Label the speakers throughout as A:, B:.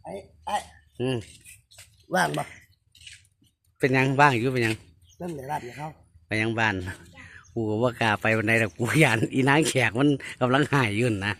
A: ไอ้ว่างบ่
B: เป็นยังบ้างอยู่เป็นยัง
A: นั่นเลยรับอย่าเข้า
B: ไปยังบ้านกูก็ว่ากล้าไปวันไหนแต่กูยานอีนางแขกมันกำลังหายยุ่นนะ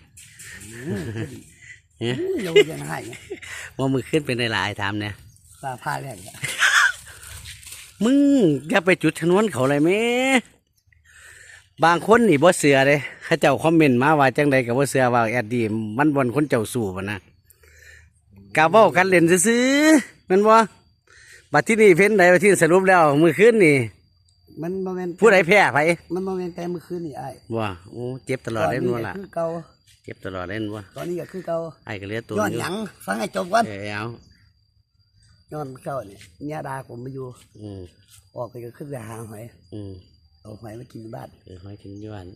A: เราจะหาย
B: ว่ามือขึ้นเป็นหลายถามเนี่ย
A: ตาผ้าแรง
B: มึงอย่าไปจุดชนวนเขาเลยแม่บางคนนี่บ่เสือเลยเขาเจ้าคอมเมนต์มาว่าจังใดกับบ่เสือว่าแอดดีมันบนคนเจ้าสู่ปะนะกาเว้ากันเล่นซื่อๆมันบ่บัดที่นี่เพ้นใดที่สรุปแล้วมือขึ้นนี่
A: มันโมเมนต์
B: ผู้ใดแพ้ไป
A: มันโมเมนต์แต่เมื่อคืนนี่ไอ้
B: ว่าโอ้เจ็บตลอดเล่นว่าล่ะ
A: คือเก่า
B: เจ็บตลอดเล่นว่า
A: ตอนนี้ก็คือเก่า
B: ไอ้ก็เลี้ยตัว
A: ย้อนหยังฟังให้จบก่อน
B: เอา
A: ย้อนเก่าเนี่ยญาดาผมมาอยู่ออกไปก็ขึ้นไปหาหอยเอาหอยมากินบ้าน
B: หอยกินที่บ้าน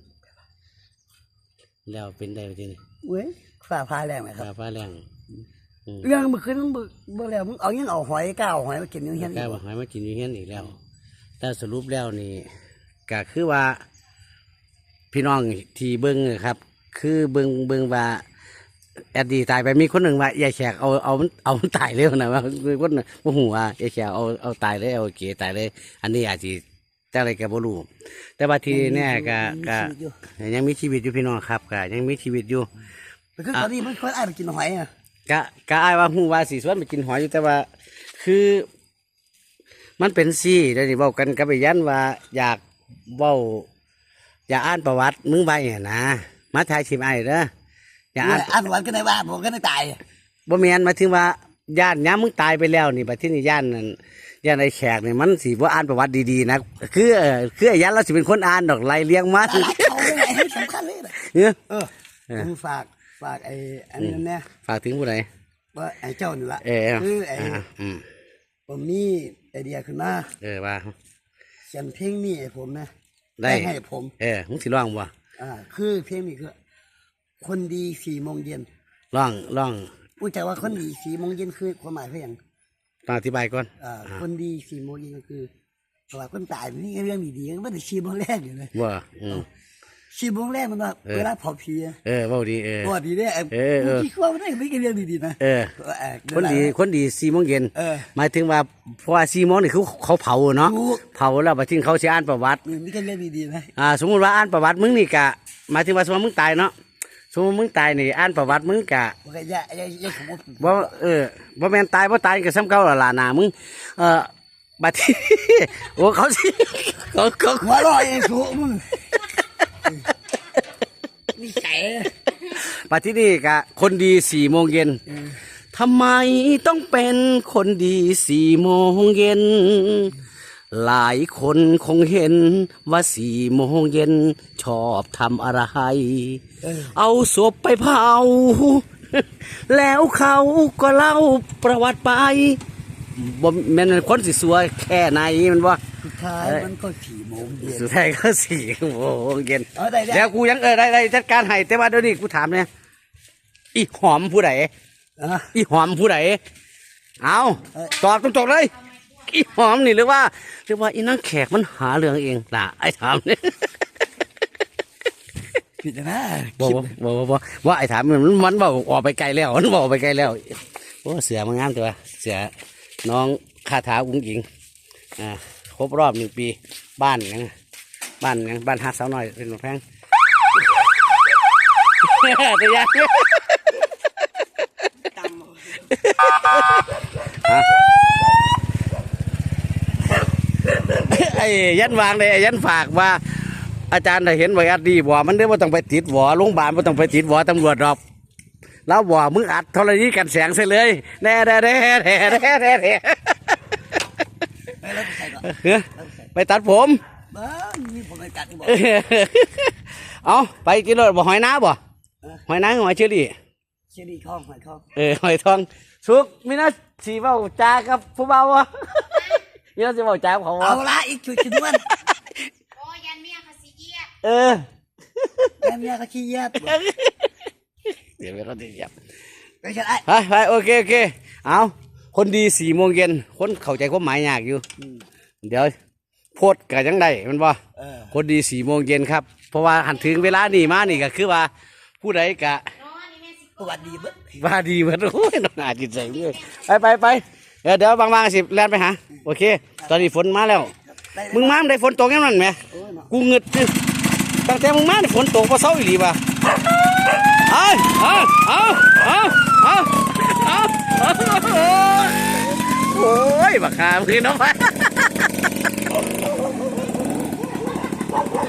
B: แล้วเป็นได้จริง
A: เว้ยฝ่าพาแรงไหมครับ
B: ฝ่าพาแรง
A: เรื่องเมื่อคืนมึงเมื่อแล้วมึงเอายังเอาหอยก้าวหอยมากินอยู่เฮียน
B: ก้าวหอยมากินอยู่เฮียนอีกแล้วแต่สรุปแล้วนี่ก็คือว่าพี่น้องที่เบิ้งครับคือเบิ้งว่าแอดดีตายไปมีคนหนึ่งว่ายายแขกเอามันตายเร็วนะว่าคนว่าหัวยายแขกเอาตายเลยเอาเก๋ตายเลยอันนี้อาจจะแต่อะไรแกบ่รู้แต่ว่าทีนี้ก็ยังมีชีวิตอยู่พี่น้องครับก็ยังมีชีวิตอยู่
A: คือตอนนี้มันคนอ่านกินหอยอ่ะ
B: ก็อายว่าหูว่าสีสวนไปกินหอยอยู่แต่ว่าคือมันเป็นซี่เดี๋ยวนี้บอกกันกับไปยันว่าอยากเว้าอยากอ่านประวัติมึงไปนะมาถ่ายชิมไอ้เด้อ
A: อยากอ่านประวัติกันในบ้านผมก็ได้ตาย
B: บ่แม่นมาถึงว่าย่านย้ำมึงตายไปแล้วนี่บัดที่นี่ย่านนั่นย่านไอ้แขกนี่มันสิบ่อ่านประวัติดีๆนะคือไอ้ยันเราสิเป็นคนอ่านดอกไล่เลี้ยงมา
A: เขาไม่ให้สำคัญเลยผมฝากไอ้อันนี้นั่นแน่
B: ฝากถึงผู้ใด
A: ว่าไอ้เจ้านี่ละ
B: คือ
A: ไอ้ผมมีไอเดียขึ้นมา
B: ว่า
A: เขียนเพลงนี้ไอ้ผมนะ
B: ได้
A: ให้ผม
B: มึงสิร้องบ่
A: คือเพลงนี้คือคนดี4 โมงเย็น
B: ร้อง
A: รู้จักว่าคนดี4 โมงเย็นคือความหมายเพื่ออย่าง
B: ต้องอธิบายก่อน
A: คนดี4 โมงเย็นก็คือเพราะว่าคนตายนี่เรื่องดีๆมันไม่ได้4 โมงแรกอยู่เลย
B: ว่า
A: 4 โมงแรกมันว่าเวลาเผาผี
B: ว่าดี
A: ว่าดีเนี่ยคิดว่ามันไม่เรื่องดีๆนะ
B: คนดี4 โมงเย็นหมายถึงว่าเพราะว่า4 โมงนี่เขาเผาเนาะเผาแล้วบัดนี้เขาสิอ่านประวัติ
A: ไม่ใช่เรื่องดีๆนะ
B: สมมุติว่าอ่านประวัติมึงนี่กะหมายถึงว่าสมมติมึงตายเนาะสมมติมึงตายนี่อ่านประวัติมึงกะบ่บ่แม่นตายบ่ตายก็ซ้ำเก่าล่ะหน้ามึงบัดนี้โอ้เขาสิเขา
A: หัวเราะเองสูมึงนี่ไก่
B: บัดนี้กะคนดี4 โมงเย็นทำไมต้องเป็นคนดี4 โมงเย็นหลายคนคงเห็นว่า4 โมงเย็นชอบทำอะไรเอาศพไปเผาแล้วเขาก็เล่าประวัติไปบ่แม่นคนสิสัวแค่ไหนมันว่า
A: สุดท้ายมันก็4 โมงเย็น
B: สุดท้ายก็4 โมงเย็นแล้วกูยังได้จัดการให้แต่ว่าเดี๋ยวนี้กูถามเนี่ยอีหอมผู้ใดอีหอมผู้ใดเอาตอบตรงๆเลยอีหอมนี่หรือว่าอีนางแขกมันหาเรื่องเองล่ะไอ้ถามเนี่ย
A: ผิดนะ
B: บอกว่าไอ้ถามมันบอกออกไปไกลแล้วมันบอกไปไกลแล้วโอ้เสือมันงามตัวเสือน้องคาถาอุ้งอิงครบรอบ1 ปีบ้านหักสาวน้อยเป็นแพงตัวยักษ์ไอ้ยันวางเลยไอ้ยันฝากว่าอาจารย์ได้เห็นไว้อัดดีบ่มันได้ว่าต้องไปติดหวอโรงพยาบาลว่าต้องไปติดหวอตำรวจหรอกแล้วบ่มึงอัดธรณีกันแสงใส่เลยแน่ไปตัดผมเอาไปกินรถบ่หอยน้าบ่หอยน้าหอยเชอรี่
A: ทองหอยทอง
B: หอยทองสุกมีน่าสีเบาจากับผู้เบาวะมีน่าสีเบาจาเขา
A: เอาละอีกชุดชิ้นวัน
C: โอ้ยันเมียเขาขี้เกียจ
A: ยันเมียเขาขี้เกียจ
B: เดี๋ยวเขาตีเกียจ
A: ไป
B: โอเคเอาคนดี4 โมงเย็นคนเข้าใจความหมายยากอยู่เดี๋ยวโพดกันยังไงมันว่าคนดี4 โมงเย็นครับเพราะว่าหันถึงเวลานี่มานี่ก็คือว่าผู้ใดกะ
A: สวัสดีเบิ้ง
B: ว่าดีเหมือนโอ้ยน้องอาจิตใจเลยไปเดี๋ยวบางๆสิแล่นไปหาโอเค ตอนนี้ฝนมาแล้ว มึงมาได้ฝนตกยังนั่นไหมกูเงึดตั้งแต่มึงมาได้ฝนตกพอเศร้าอีหลีป่ะเอาโอ้ยบักหามึงน้องไป